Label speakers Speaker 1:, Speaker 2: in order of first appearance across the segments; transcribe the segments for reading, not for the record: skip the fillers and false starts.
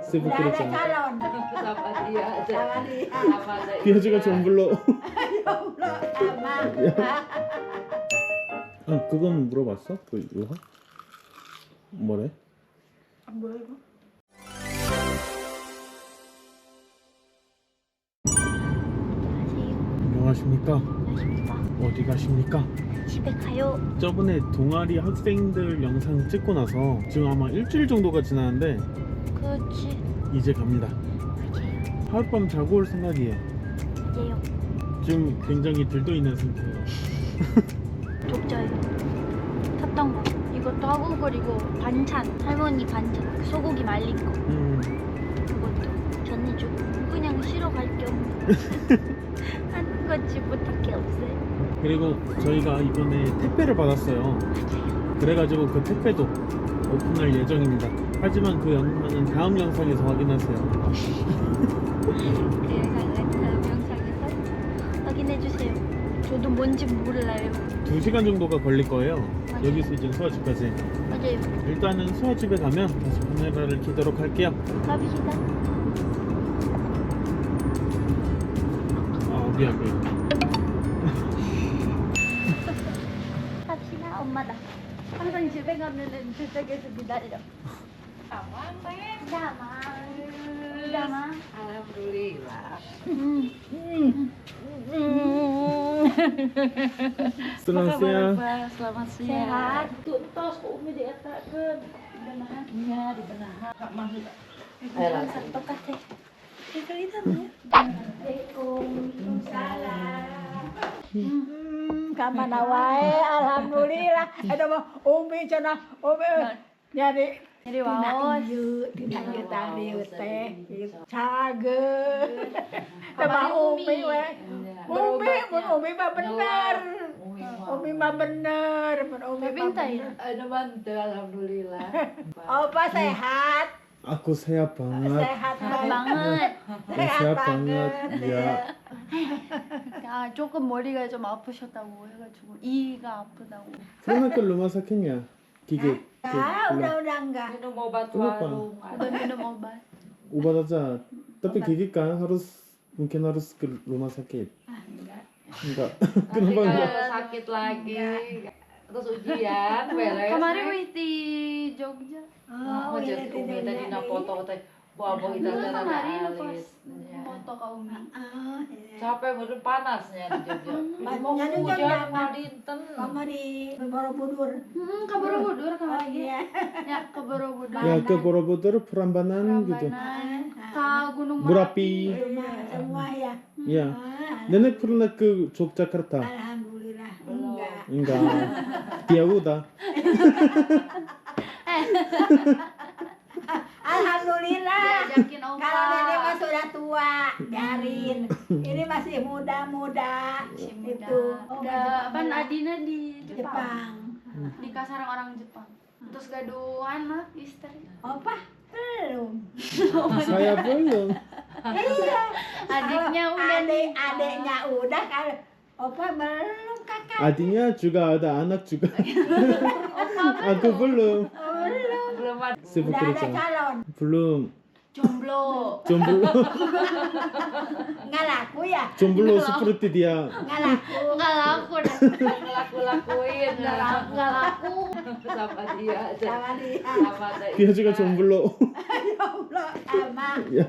Speaker 1: sibuk
Speaker 2: Udah ada
Speaker 1: kerja.
Speaker 2: calon.
Speaker 3: Sama dia aja.
Speaker 2: Sama dia.
Speaker 3: Sama ada
Speaker 1: Dia juga
Speaker 3: Indra.
Speaker 1: jomblo.
Speaker 2: Jomblo sama.
Speaker 1: 그건 물어봤어? 그 유학? 뭐래?
Speaker 2: Ambil ibu.
Speaker 1: 안녕하십니까? 어디 가십니까?
Speaker 4: 집에 가요.
Speaker 1: 저번에 동아리 학생들 영상 찍고 나서 지금 아마 일주일 정도가 지났는데
Speaker 4: 그렇지.
Speaker 1: 이제 갑니다.
Speaker 4: 맞아요.
Speaker 1: 하룻밤 자고 올 생각이에요.
Speaker 4: 예요.
Speaker 1: 지금 굉장히 들떠 있는 상태예요.
Speaker 4: 독자요. 샀던 거. 이것도 하고 그리고 반찬. 할머니 반찬. 소고기 말린 거. 그것도 전해주고 그냥 쉬러 갈 겸 하는 거지 못할 게 없어요.
Speaker 1: 그리고 저희가 이번에 택배를 받았어요.
Speaker 4: 맞아요.
Speaker 1: 그래가지고 그 택배도 오픈할 예정입니다. 하지만 그 영상은 다음 영상에서 확인하세요.
Speaker 4: 그 영상은 다음 영상에서 확인해주세요. 저도 뭔지 몰라요.
Speaker 1: 2시간 정도가 걸릴 거예요.
Speaker 4: 맞아요.
Speaker 1: 여기서 이제 수아집까지.
Speaker 4: 맞아요.
Speaker 1: 일단은 수아집에 가면 다시 카메라를 켜도록 할게요.
Speaker 4: 갑시다.
Speaker 1: 아 미안.
Speaker 4: 갑시다. 엄마다. 항상 집에 가면은 저쪽에서 기다려.
Speaker 3: Aman, Teh.
Speaker 4: Sama. Sama.
Speaker 3: Alhamdulillah.
Speaker 1: Selamat siang.
Speaker 3: Selamat siang.
Speaker 4: Sehat.
Speaker 3: Tuntos ke Umi dietakeun. Benahan. Iya, dibenahan. Kak maksud. Ayo langsung.
Speaker 4: 똑같아.
Speaker 2: Kamana wae alhamdulillah. Ada mah Umi cenah Umi nyari
Speaker 4: Jadi
Speaker 2: tina
Speaker 4: waos.
Speaker 2: ieu tadi teh cageun. Sama Umi we. Umi mun Umi mah bener. Umi mah bener, mun Umi mah
Speaker 4: Pintar
Speaker 2: bener.
Speaker 4: ya?
Speaker 3: Ada bantu, alhamdulillah.
Speaker 2: Opa sehat.
Speaker 1: Aku sehat banget.
Speaker 2: Sehat banget.
Speaker 4: banget.
Speaker 1: sehat banget. Ya.
Speaker 4: 아, 조금 머리가 좀 아프셨다고 해가지고 이가 아프다고.
Speaker 1: Kenapa ke rumah sakitnya? Gigit.
Speaker 2: Ya, udah enggak.
Speaker 3: Minum obat
Speaker 1: Kenapa?
Speaker 3: warung.
Speaker 4: udah minum obat.
Speaker 1: Obat aja. Tapi gigit kan mungkin harus ke rumah sakit. Enggak.
Speaker 3: Nanti
Speaker 1: Kenapa enggak?
Speaker 3: kalau sakit lagi, terus ujian, beres.
Speaker 4: kemarin wih di Jogja.
Speaker 2: Oh,
Speaker 3: Mau
Speaker 2: iya
Speaker 3: jadi Umi tadi na foto teh, bawa kita
Speaker 4: Dulu
Speaker 3: teh
Speaker 4: kemarin
Speaker 3: rada
Speaker 4: pas
Speaker 3: alis. Ya.
Speaker 4: foto Kak Umi.
Speaker 2: Oh, iya.
Speaker 3: Capek bener panasnya di Jogja. Mau
Speaker 2: Nyadu
Speaker 3: hujan
Speaker 2: jam
Speaker 3: mau dinten.
Speaker 2: Mama di Borobudur.
Speaker 4: Ke Borobudur
Speaker 2: Oh
Speaker 4: kemarin.
Speaker 2: iya.
Speaker 4: Ya ke Borobudur.
Speaker 1: Ya ke Borobudur Prambanan gitu.
Speaker 4: Prambanan, ke Gunung
Speaker 1: Merapi.
Speaker 2: Semua ya.
Speaker 1: Ya.
Speaker 4: Ah.
Speaker 1: Nenek pernah ke Yogyakarta?
Speaker 2: Alhamdulillah.
Speaker 3: Belum.
Speaker 2: Enggak.
Speaker 1: Enggak. Dia udah.
Speaker 2: Alhamdulillah.
Speaker 4: Diajakin opa.
Speaker 2: Kalau nenek mah sudah tua, biarin. Ini masih muda-muda.
Speaker 4: Masih muda.
Speaker 2: Itu.
Speaker 4: Udah kan Adina di Jepang.
Speaker 2: Jepang.
Speaker 4: Nikah sareng orang Jepang. Terus gaduh anak istri.
Speaker 2: Opa belum.
Speaker 1: Saya belum.
Speaker 2: Iya.
Speaker 4: Adiknya udah nikah.
Speaker 2: Adiknya udah kan. Opa belum kakak.
Speaker 1: Adiknya juga ada anak juga.
Speaker 4: Opa
Speaker 1: Aku belum.
Speaker 2: Belum.
Speaker 3: Belum ada.
Speaker 1: Sibuk
Speaker 2: Udah ada
Speaker 1: kerja.
Speaker 2: calon.
Speaker 1: belum.
Speaker 4: jomblo.
Speaker 1: Jomblo.
Speaker 2: Nggak laku ya?
Speaker 1: Jomblo seperti dia.
Speaker 2: Nggak laku.
Speaker 4: Nggak laku dah.
Speaker 3: Laku-lakuin.
Speaker 4: Nggak laku.
Speaker 3: Sama dia aja.
Speaker 2: Sama dia.
Speaker 3: Sama ada
Speaker 1: Dia juga
Speaker 3: Indra.
Speaker 1: jomblo.
Speaker 2: Ya Allah, sama.
Speaker 1: Ya.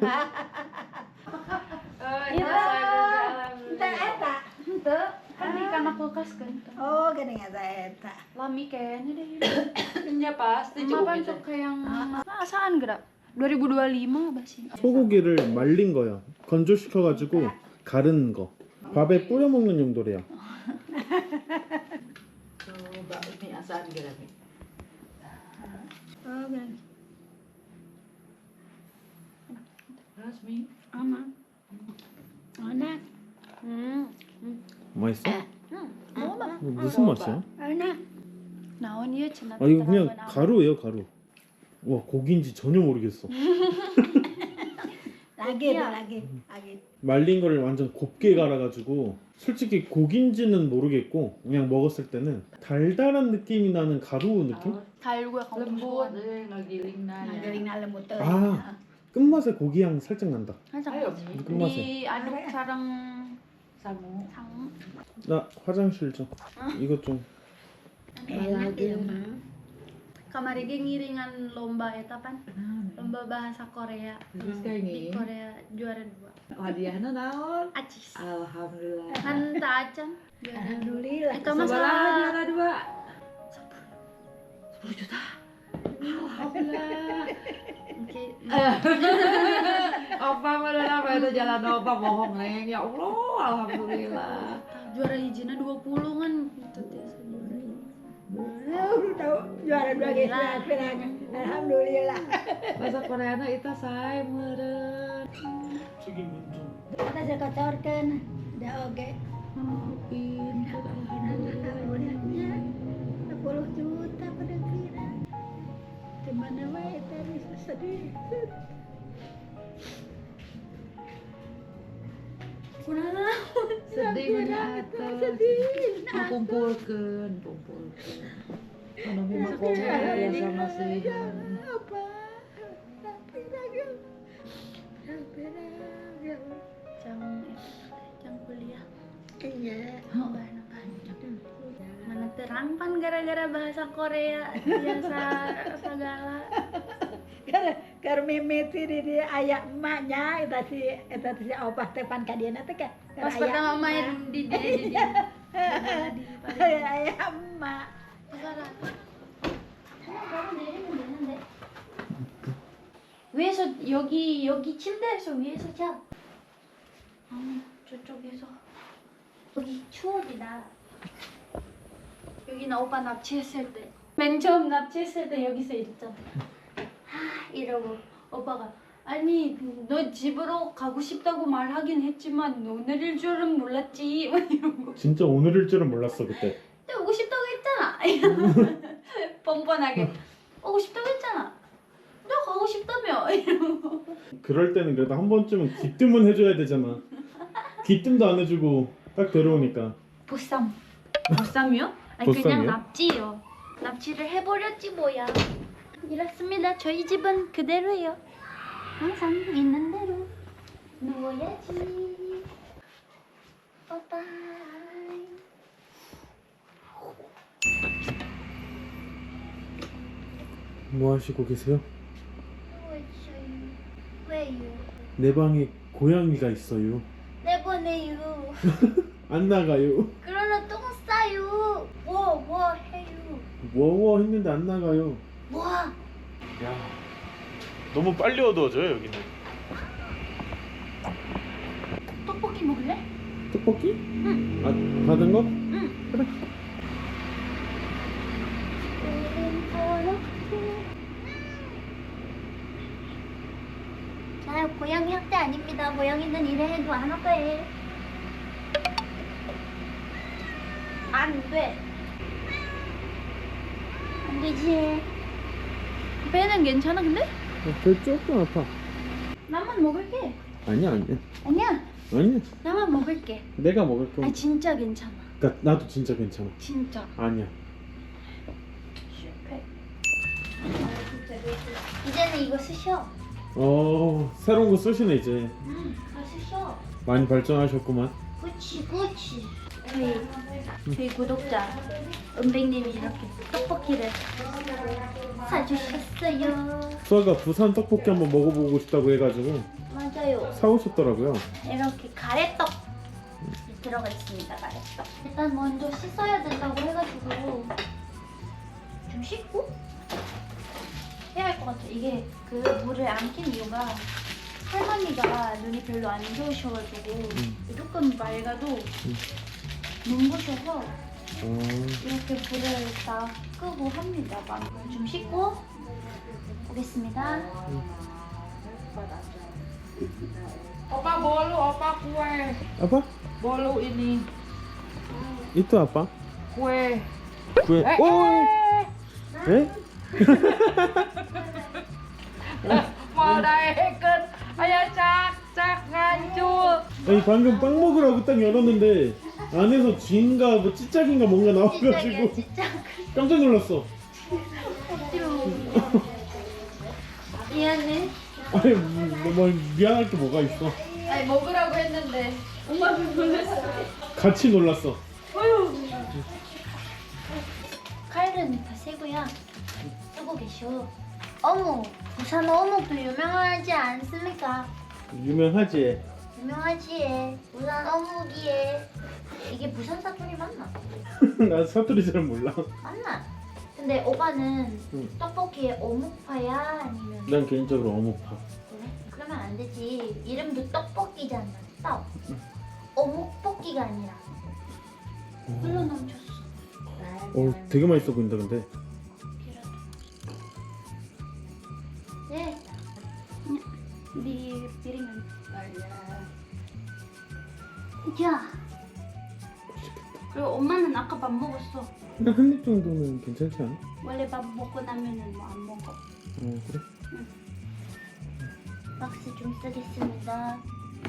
Speaker 3: Oh,
Speaker 2: Itu.
Speaker 3: alhamdulillah.
Speaker 2: Itu eta.
Speaker 4: Ente kan di kamar kulkas kan.
Speaker 2: Oh, gini eta eta.
Speaker 4: Lami kayaknya deh.
Speaker 3: Ya pasti
Speaker 4: Cuma
Speaker 3: cukup
Speaker 4: kan
Speaker 3: itu.
Speaker 4: tuh kayak asaan gerak. 2025 masih.
Speaker 1: 소고기를 말린 거요. 건조시켜가지고 가른 거. 밥에 뿌려 먹는 용도래요.
Speaker 3: Coba ini asal kira nih.
Speaker 2: Oh, gini.
Speaker 3: Terus Mi.
Speaker 4: 아마.
Speaker 2: Enak.
Speaker 1: 맛있어?
Speaker 4: 먹어봐.
Speaker 1: 무슨 맛이야?
Speaker 2: Enak.
Speaker 4: 나온 이유 지나.
Speaker 1: 아 이거 그냥 가루예요 가루. 와 고기인지 전혀 모르겠어.
Speaker 2: Lagi tuh, lagi.
Speaker 1: 말린 거를 완전 곱게 갈아가지고 솔직히 고기인지는 모르겠고 그냥 먹었을 때는 달달한 느낌이 나는 가루 느낌?
Speaker 4: 달고 약간
Speaker 3: Lembut, ngegiling nanya.
Speaker 2: Ngeling na lemut teh.
Speaker 1: 아 끝맛에 고기 향 살짝 난다.
Speaker 4: 살짝
Speaker 3: Ayo,
Speaker 4: 먹자.
Speaker 3: Mi.
Speaker 1: 끝맛에.
Speaker 4: 이 아독 사랑
Speaker 3: Samu.
Speaker 4: 상.
Speaker 1: 나 화장실 좀. 이것 좀.
Speaker 2: Enak ya, Ma.
Speaker 4: Kemarin dia ngiringan lomba eta pan, lomba bahasa Korea.
Speaker 3: Terus kayak
Speaker 4: Di
Speaker 3: gini.
Speaker 4: Korea juara 2.
Speaker 3: Hadiahnya naon?
Speaker 4: Acis.
Speaker 3: Alhamdulillah.
Speaker 4: Kan tak acan. Juara 2.
Speaker 2: Alhamdulillah.
Speaker 4: Itu
Speaker 3: Sebelah
Speaker 4: masalah
Speaker 3: juara 2. 10 juta. Alhamdulillah.
Speaker 4: Oke.
Speaker 3: Opa bener apa itu jalan opa bohong neng. Ya Allah, alhamdulillah.
Speaker 4: Juara hijina 20 kan itu teh juara.
Speaker 2: Udah tahu juara 2 guys, pirang. Alhamdulillah.
Speaker 3: Bahasa Koreana itu say meureun.
Speaker 1: 저기 문 좀.
Speaker 2: Kita saya kocorkan. Udah oke.
Speaker 3: Pintar alhamdulillah.
Speaker 2: 10 juta pada kira. Di mana wae tadi sedih.
Speaker 4: Kunaon?
Speaker 3: Sedih banyak atas. Kumpulkeun. Anu mah komer ya sama sehan.
Speaker 2: Apa? Pirang.
Speaker 4: Jang kuliah.
Speaker 2: Iya.
Speaker 4: Bahan panjang. Mana terang pan gara-gara bahasa Korea biasa segala.
Speaker 2: Karena mimiti di ayah emaknya itu si opah tepan kadiana teh kan.
Speaker 4: Pas pertama main di
Speaker 2: ayah emak.
Speaker 4: 위에서 여기 침대에서 위에서 자. 아니 저쪽에서 여기 추억이다. 여기 나 오빠 납치했을 때. 맨 처음 납치했을 때 여기서 이랬잖아. 이러고 오빠가 아니 너 집으로 가고 싶다고 말하긴 했지만 오늘일 줄은 몰랐지. 막 이러고.
Speaker 1: 진짜 오늘일 줄은 몰랐어 그때.
Speaker 4: 근데 오고 싶다고 했잖아. 뻔뻔하게 오고 싶다고 했잖아. 너 가고 싶다며. 이러고.
Speaker 1: 그럴 때는 그래도 한 번쯤은 귀뜸은 해줘야 되잖아. 귀뜸도 안 해주고 딱 데려오니까.
Speaker 4: 보쌈. 보쌈이요? 아니
Speaker 1: 보쌈이요?
Speaker 4: 그냥 납치요. 납치를 해버렸지 뭐야. 이렇습니다. 저희 집은 그대로예요. 항상 있는 대로 누워야지. 빠빠이.
Speaker 1: 뭐 하시고 계세요?
Speaker 4: 누워있어요. 왜요?
Speaker 1: 내 방에 고양이가 있어요.
Speaker 4: 내보내요.
Speaker 1: 안 나가요.
Speaker 4: 그러나 똥 싸요. 뭐 해요.
Speaker 1: 워워 했는데 안 나가요.
Speaker 4: 뭐?
Speaker 1: 야, 너무 빨리 어두워져요 여기는.
Speaker 4: 떡볶이 먹을래?
Speaker 1: 떡볶이?
Speaker 4: 응.
Speaker 1: 아, 받은 거?
Speaker 4: 응.
Speaker 1: 그래.
Speaker 4: 자, 고양이 학대 아닙니다. 고양이는 이래 해도 안 할 거예요. 안 돼. 안 되지. 배는 괜찮아 근데?
Speaker 1: 배 조금 아파.
Speaker 4: 나만 먹을게.
Speaker 1: 아니야.
Speaker 4: 아니야. 나만 먹을게.
Speaker 1: 내가 먹을 거.
Speaker 4: 아 진짜 괜찮아.
Speaker 1: 그러니까 나도 진짜 괜찮아.
Speaker 4: 진짜.
Speaker 1: 아니야.
Speaker 4: 실패. 이제는 이거 쓰셔.
Speaker 1: 새로운 거 쓰시네 이제.
Speaker 4: 다 쓰셔.
Speaker 1: 많이 발전하셨구만.
Speaker 4: 그치. 저희 구독자 은백님이 이렇게 떡볶이를 사주셨어요.
Speaker 1: 수아가 부산 떡볶이 한번 먹어보고 싶다고 해가지고
Speaker 4: 맞아요.
Speaker 1: 사오셨더라고요.
Speaker 4: 이렇게 가래떡 들어가 있습니다. 가래떡. 일단 먼저 씻어야 된다고 해가지고 좀 씻고 해야 할 것 같아. 이게 그 물을 안 킨 이유가 할머니가 눈이 별로 안 좋으셔가지고 조금 맑아도 눈부셔서 이렇게 불을 다 끄고 합니다. 좀 씻고 오겠습니다.
Speaker 3: Opa bolu, opa kue.
Speaker 1: 아빠?
Speaker 3: Bolu ini
Speaker 1: 이또 아빠?
Speaker 3: kue.
Speaker 1: 왜? 에?
Speaker 3: Mau daekeun aya cak ngancur.
Speaker 1: 아니 방금 빵 먹으라고 딱 열었는데 안에서 쥐인가 뭐 찌짝인가 뭔가 나와가지고
Speaker 4: 진짜
Speaker 1: 깜짝 놀랐어.
Speaker 4: 억지로 미안해.
Speaker 1: 아니 뭐 미안할 게 뭐가 있어.
Speaker 4: 아니 먹으라고 했는데 엄마도 놀랐어.
Speaker 1: 같이 놀랐어.
Speaker 4: 칼은 다 새고요. 쓰고 계셔. 어묵, 부산 어묵도 유명하지 않습니까?
Speaker 1: 유명하지.
Speaker 4: 유명하지. 부산 어묵이에. 이게 부산 사투리 맞나?
Speaker 1: 나 사투리 잘 몰라.
Speaker 4: 맞나? 근데 오빠는
Speaker 1: 응.
Speaker 4: 떡볶이에 어묵파야 아니면
Speaker 1: 난 개인적으로 어묵파.
Speaker 4: 그래? 그러면 안 되지. 이름도 떡볶이잖아. 떡. 어묵볶이가 아니라. 흘러 넘쳤어.
Speaker 1: 되게 맛있어 보인다 근데.
Speaker 4: 네. 네 비리면. 야. 그리고 엄마는 아까 밥 먹었어.
Speaker 1: 그냥 한 입 정도는 괜찮지 않아?
Speaker 4: 원래 밥 먹고 나면은 뭐 안 먹어.
Speaker 1: 그래?
Speaker 4: 박스 좀 쓰겠습니다.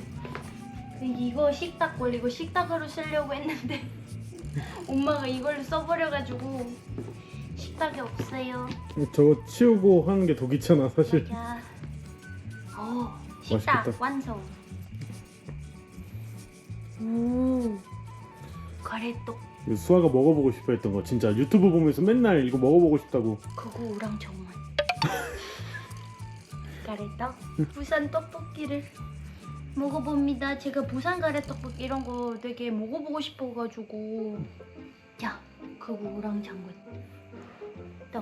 Speaker 4: 이거 식탁 걸리고 식탁으로 쓰려고 했는데 엄마가 이걸로 써버려가지고 식탁이 없어요.
Speaker 1: 저거 치우고 하는 게 더 귀찮아 사실.
Speaker 4: 자, 식탁
Speaker 1: 맛있겠다.
Speaker 4: 완성. 오, 가래떡.
Speaker 1: 수아가 먹어보고 싶어 했던 거 진짜 유튜브 보면서 맨날 이거 먹어보고 싶다고.
Speaker 4: 그거 우랑 정말. 가래떡. 부산 떡볶이를 먹어봅니다. 제가 부산 가래떡볶이 이런 거 되게 먹어보고 싶어가지고. 야, 그거 우랑 장군. 떡.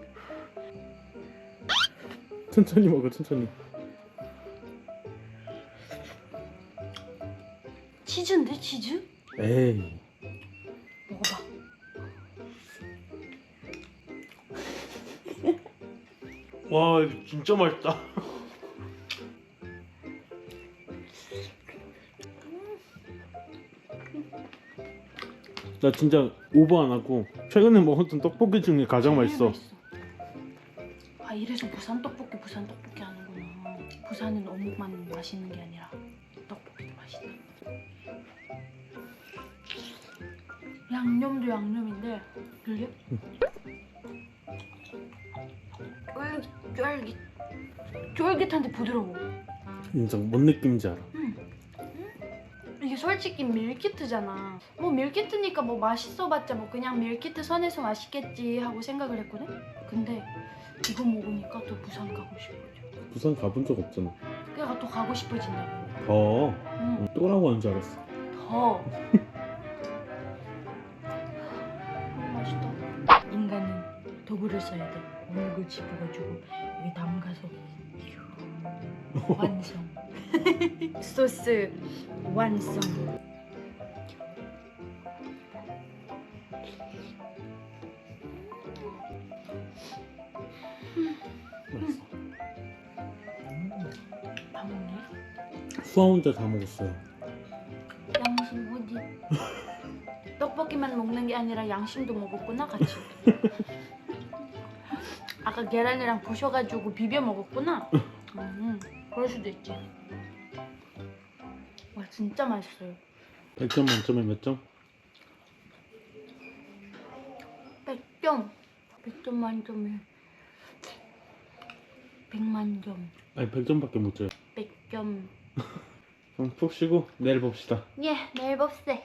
Speaker 1: 천천히 먹어 천천히.
Speaker 4: 치즈인데 치즈?
Speaker 1: 에이.
Speaker 4: 먹어봐.
Speaker 1: 와 이거 진짜 맛있다. 나 진짜 오버 안 하고 최근에 먹었던 떡볶이 중에 가장 맛있어.
Speaker 3: 아 이래서 부산 떡볶이 하는구나. 부산은 어묵만 맛있는 게 아니라 떡볶이도 맛있다. 양념도 양념인데 들려? 쫄깃한데 부드러워.
Speaker 1: 인정. 뭔 느낌인지 알아.
Speaker 3: 이게 솔직히 밀키트잖아. 뭐 밀키트니까 뭐 맛있어봤자 뭐 그냥 밀키트 선에서 맛있겠지 하고 생각을 했거든. 근데 이거 먹으니까 또 부산 가고 싶어져.
Speaker 1: 부산 가본 적 없잖아.
Speaker 3: 그래가 또 가고 싶어진다고.
Speaker 1: 더.
Speaker 3: 응.
Speaker 1: 또라고 하는 줄 알았어.
Speaker 3: 더. 너무 맛있다. 인간은 도구를 써야 돼. 물고 집어가지고 여기 담가서 완성. 소스 완성.
Speaker 1: 맛있어.
Speaker 3: 다 먹네.
Speaker 1: 수아 혼자 다 먹었어요.
Speaker 3: 양심 어디? 떡볶이만 먹는 게 아니라 양심도 먹었구나 같이. 아까 계란이랑 부셔가지고 비벼 먹었구나. 그럴 수도 있지. 와 진짜 맛있어요.
Speaker 1: 100점 만점에 몇 점?
Speaker 3: 100점. 100점 만점에 100만 점.
Speaker 1: 아니 100점밖에 못 줘요.
Speaker 3: 100점.
Speaker 1: 그럼 푹 쉬고 내일 봅시다.
Speaker 4: 예, 내일 봅세.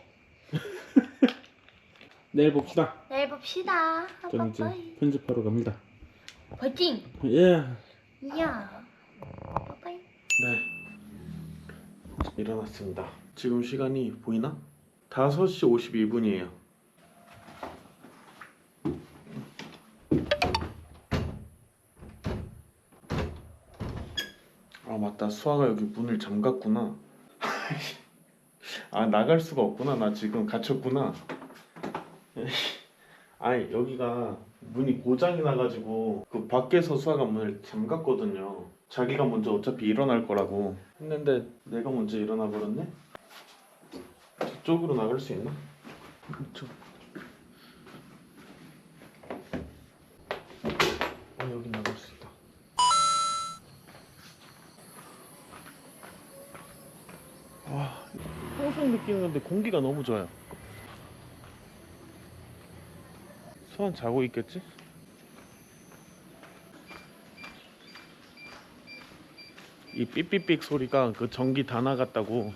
Speaker 1: 내일 봅시다.
Speaker 4: 내일 봅시다.
Speaker 1: 저는 이제
Speaker 4: 빠빠이.
Speaker 1: 편집하러 갑니다.
Speaker 4: 화이팅!
Speaker 1: 예.
Speaker 4: 이야. 빠빠이.
Speaker 1: 네. 일어났습니다. 지금 시간이 보이나? 5시 52분이에요. 아 맞다. 수아가 여기 문을 잠갔구나. 아 나갈 수가 없구나. 나 지금 갇혔구나. 아니 여기가 문이 고장이 나가지고 그 밖에서 수아가 문을 잠갔거든요. 자기가 먼저 어차피 일어날 거라고 했는데 내가 먼저 일어나 버렸네. 저쪽으로 나갈 수 있나? 그쵸. 여기 나갈 수 있다. 와, 홍수 느끼는 건데 공기가 너무 좋아요. 수아 자고 있겠지? 이 삐삐삐 소리가 그 전기 다 나갔다고.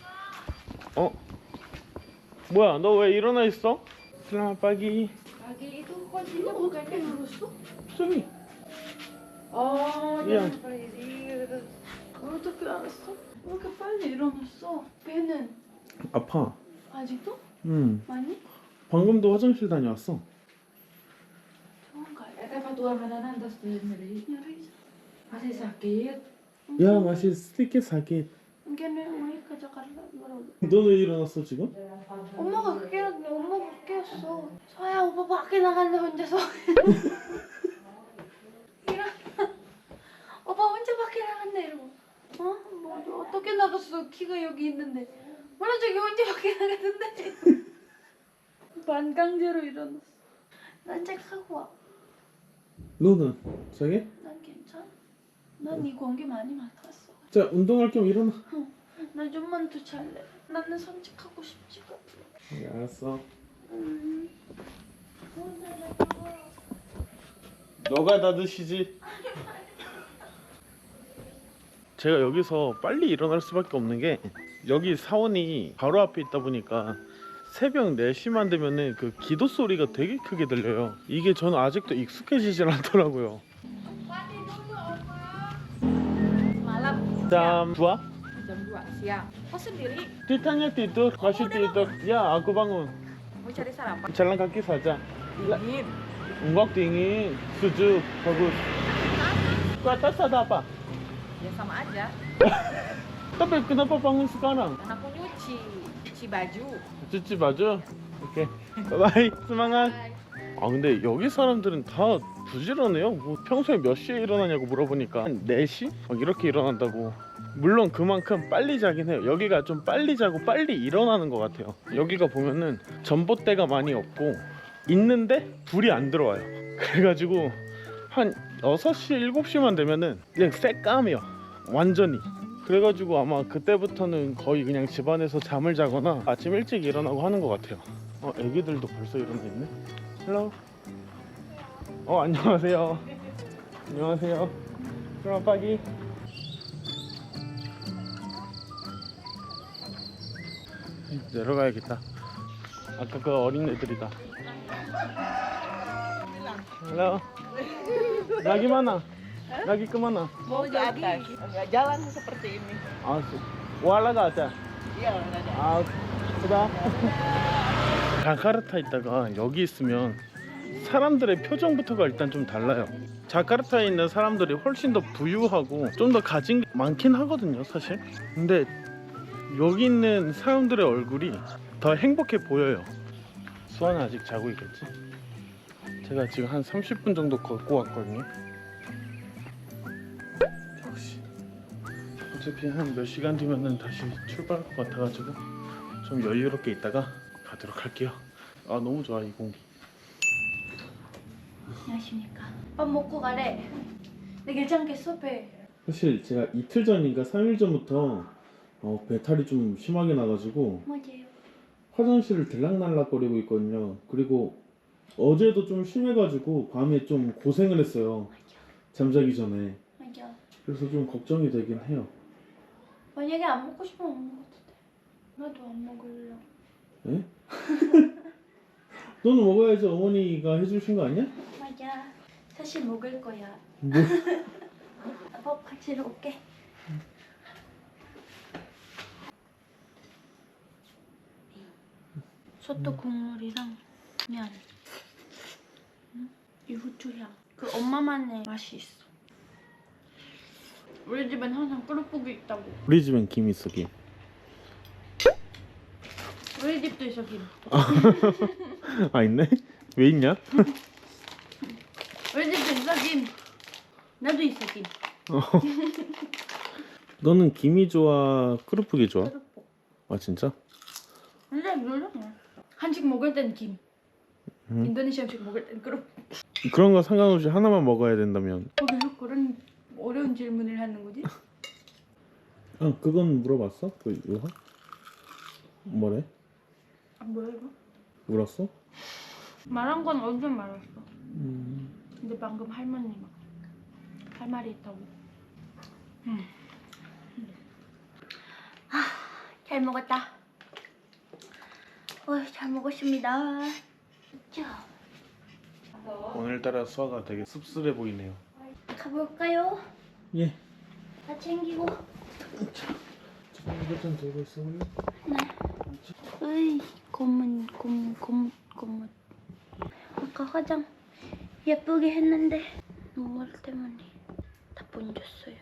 Speaker 1: 뭐야, 너 왜 일어나 있어? 슬라마 빠기.
Speaker 3: Pagi itu kuncinya bukannya ngerusuk?
Speaker 1: 저기.
Speaker 3: Oh,
Speaker 1: Iya.
Speaker 3: jangan berdiri. 어떻게 알았어? 왜 이렇게 빨리 일어났어? 배는
Speaker 1: 아파.
Speaker 3: 아직도?
Speaker 1: 많이? 방금도 화장실 다녀왔어.
Speaker 3: 좋은가요?
Speaker 5: Ete tuan makanan terus nyeri.
Speaker 3: nyeri.
Speaker 5: Masih sakit.
Speaker 1: 야, 맛이 스티키 사기.
Speaker 3: Mungkin 왜 가져갈라 그러고.
Speaker 1: 너 왜 일어났어 지금?
Speaker 3: 엄마가 깨웠어. 서야 오빠 밖에 나갔네 혼자서. 일어나. 오빠 혼자 밖에 나갔네 이러고. 뭐 어떻게 나갔어? 키가 여기 있는데. 몰라 저기 혼자 밖에 나갔는데. 반강제로 일어났어. 산책하고 와.
Speaker 1: 너는 자기?
Speaker 3: 난 괜찮아. 난 이 공기 많이 맡았어.
Speaker 1: 자, 운동할 겸 일어나.
Speaker 3: 나 좀만 더 잘래. 나는 산책하고 싶지가 않아.
Speaker 1: 알았어. 너가 다 드시지. 제가 여기서 빨리 일어날 수밖에 없는 게 여기 사원이 바로 앞에 있다 보니까 새벽 4시만 되면은 그 기도 소리가 되게 크게 들려요. 이게 저는 아직도 익숙해지질 않더라고요.
Speaker 5: Malam
Speaker 1: jam 2?
Speaker 5: jam 2 siang. Oh sendiri
Speaker 1: Ditanya tidur, masih tidur. Ya, aku bangun.
Speaker 5: mau cari sarapan.
Speaker 1: Jalan kaki saja.
Speaker 5: Dingin.
Speaker 1: Enggak dingin, sejuk, bagus. Ke atas ada apa?
Speaker 5: Ya sama aja.
Speaker 1: Tapi kenapa bangun sekarang?
Speaker 5: Dan aku cuci baju.
Speaker 1: cuci baju? 오케이. 바이바이. semangat. 아 근데 여기 사람들은 다 부지런해요. 뭐 평소에 몇 시에 일어나냐고 물어보니까 한 4시? 막 이렇게 일어난다고. 물론 그만큼 빨리 자긴 해요. 여기가 좀 빨리 자고 빨리 일어나는 것 같아요. 여기가 보면은 전봇대가 많이 없고 있는데 불이 안 들어와요. 그래가지고 한 6시, 7시만 되면은 그냥 새까매요. 완전히. 그래가지고 아마 그때부터는 거의 그냥 집안에서 잠을 자거나 아침 일찍 일어나고 하는 것 같아요. 애기들도 벌써 일어나 있네. 헬로. 안녕하세요. 안녕하세요. 그럼 빠기. 내려가야겠다. 아까 그 어린 애들이다. 헬로. lagi mana? Lagi kemana?
Speaker 5: Mau ke atas. Jalan seperti ini.
Speaker 1: 아, wala gak ada?
Speaker 5: Iya, ada.
Speaker 1: 아, 수다. 자카르타 있다가 여기 있으면 사람들의 표정부터가 일단 좀 달라요. 자카르타에 있는 사람들이 훨씬 더 부유하고 좀 더 가진 게 많긴 하거든요, 사실. 근데 여기 있는 사람들의 얼굴이 더 행복해 보여요. 수아는 아직 자고 있겠지? 제가 지금 한 30분 정도 걷고 왔거든요. 역시 어차피 한 몇 시간 뒤면은 다시 출발할 것 같아가지고 좀 여유롭게 있다가 가도록 할게요. 아 너무 좋아 이 공기.
Speaker 3: 안녕하십니까. 밥 먹고 가래. 내 괜찮겠어 배?
Speaker 1: 사실 제가 이틀 전인가 3일 전부터 배탈이 좀 심하게 나가지고
Speaker 3: 맞아요.
Speaker 1: 화장실을 들락날락거리고 있거든요. 그리고 어제도 좀 심해가지고 밤에 좀 고생을 했어요. 잠자기 전에.
Speaker 3: 맞아.
Speaker 1: 그래서 좀 걱정이 되긴 해요.
Speaker 3: 만약에 안 먹고 싶으면 안 먹어도 돼. 나도 안 먹을래.
Speaker 1: 에? 너는 먹어야지. 어머니가 해주신 거 아니야?
Speaker 3: 맞아. 사실 먹을 거야.
Speaker 1: 뭐?
Speaker 3: 밥 같이 올게. 소떡 국물이랑 면. 이 후추향. 그 엄마만의 맛이 있어. 우리 집엔 항상 끓여보기 있다고.
Speaker 1: 우리 집엔 김 있어 김.
Speaker 3: 우리 집도 있어 김.
Speaker 1: 아 있네? 왜 있냐?
Speaker 3: 우리 집도 있어 김. 나도 있어 김.
Speaker 1: 너는 김이 좋아? 크루프기 좋아?
Speaker 3: 끓여보.
Speaker 1: 아 진짜?
Speaker 3: 근데 몰라. 한식 먹을 땐 김.
Speaker 1: 응?
Speaker 3: 인도네시아 음식 먹을 땐 끓여.
Speaker 1: 그런 거 상관없이 하나만 먹어야 된다면.
Speaker 3: 계속 그런 어려운 질문을 하는 거지?
Speaker 1: 아 그건 물어봤어? 그 요한? 뭐래?
Speaker 3: 아 뭐야 이거?
Speaker 1: 물었어?
Speaker 3: 말한 건 언제 말했어? 근데 방금 할머니가 할 말이 있다고.
Speaker 4: 잘 먹었다. 잘 먹었습니다. 자,
Speaker 1: 오늘따라 수아가 되게 씁쓸해 보이네요.
Speaker 4: 가볼까요?
Speaker 1: 예.
Speaker 4: 다 챙기고.
Speaker 1: 이것 좀 들고 있어볼래?
Speaker 4: 네. 으이, 고문. 아까 화장 예쁘게 했는데 눈물 때문에 다 번졌어요.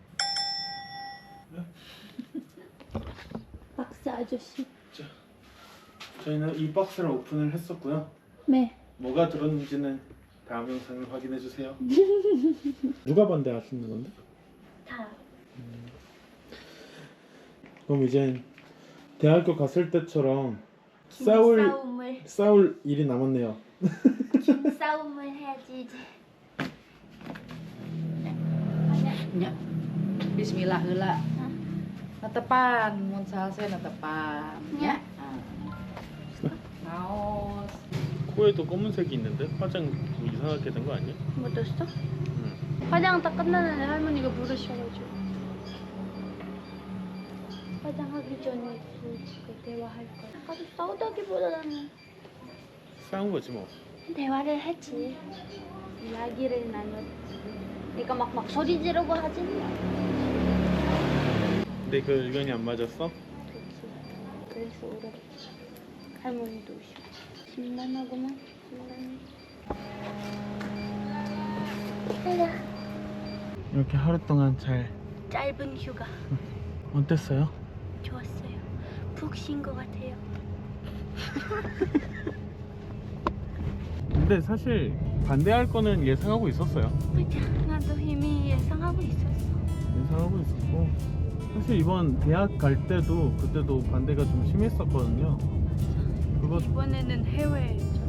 Speaker 4: 박스 아저씨.
Speaker 1: 저희는 이 박스를 오픈을 했었고요.
Speaker 4: 네.
Speaker 1: 뭐가 들었는지는 다음 영상을 확인해 주세요. 누가 반대하시는 건데?
Speaker 4: 다.
Speaker 1: 그럼 이제 대학교 갔을 때처럼
Speaker 4: 싸움을
Speaker 1: 싸울 일이 남았네요.
Speaker 4: 싸움을 해야지 이제.
Speaker 5: Nya. Bismillah heula. Natepan mun salse natepan.
Speaker 4: Nya.
Speaker 5: Naos.
Speaker 1: 코에도 검은색이 있는데 화장 뭐 이상하게 된 거 아니야?
Speaker 4: 묻었어? 화장 다 끝나는데 할머니가 부르셔가지고 화장하기 전에 그 대화할 거야. 아까도 싸우다기보다는
Speaker 1: 싸운 거지 뭐.
Speaker 4: 대화를 했지. 이야기를 나눴지. 그러니까 막 소리 지르고 하진 않아.
Speaker 1: 근데 그 의견이 안 맞았어?
Speaker 4: 그렇지. 그래서 울었지. 할머니도 오시고. 심란하구만. 심란해. 가자.
Speaker 1: 이렇게 하루 동안 잘
Speaker 4: 짧은 휴가
Speaker 1: 어땠어요?
Speaker 4: 좋았어요. 푹 쉰 것 같아요.
Speaker 1: 근데 사실 반대할 거는 예상하고 있었어요.
Speaker 4: 맞아. 나도 이미 예상하고 있었어.
Speaker 1: 예상하고 있었고 사실 이번 대학 갈 때도 그때도 반대가 좀 심했었거든요. 그거
Speaker 4: 이번에는 해외였죠.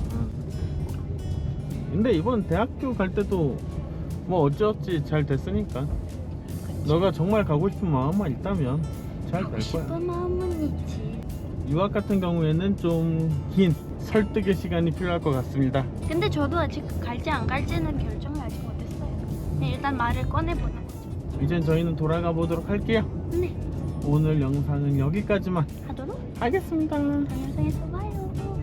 Speaker 1: 근데 이번 대학교 갈 때도 뭐 어찌어찌 잘 됐으니까 너가 정말 가고 싶은 마음만 있다면 잘 될 거야.
Speaker 4: 싶은 마음은 있지.
Speaker 1: 유학 같은 경우에는 좀 긴 설득의 시간이 필요할 것 같습니다.
Speaker 4: 근데 저도 아직 갈지 안 갈지는 결정을 아직 못했어요. 그냥 일단 말을 꺼내보는 거죠.
Speaker 1: 이젠 저희는 돌아가 보도록 할게요.
Speaker 4: 네.
Speaker 1: 오늘 영상은 여기까지만
Speaker 4: 하도록
Speaker 1: 하겠습니다.
Speaker 4: 다음 영상에서 봐요.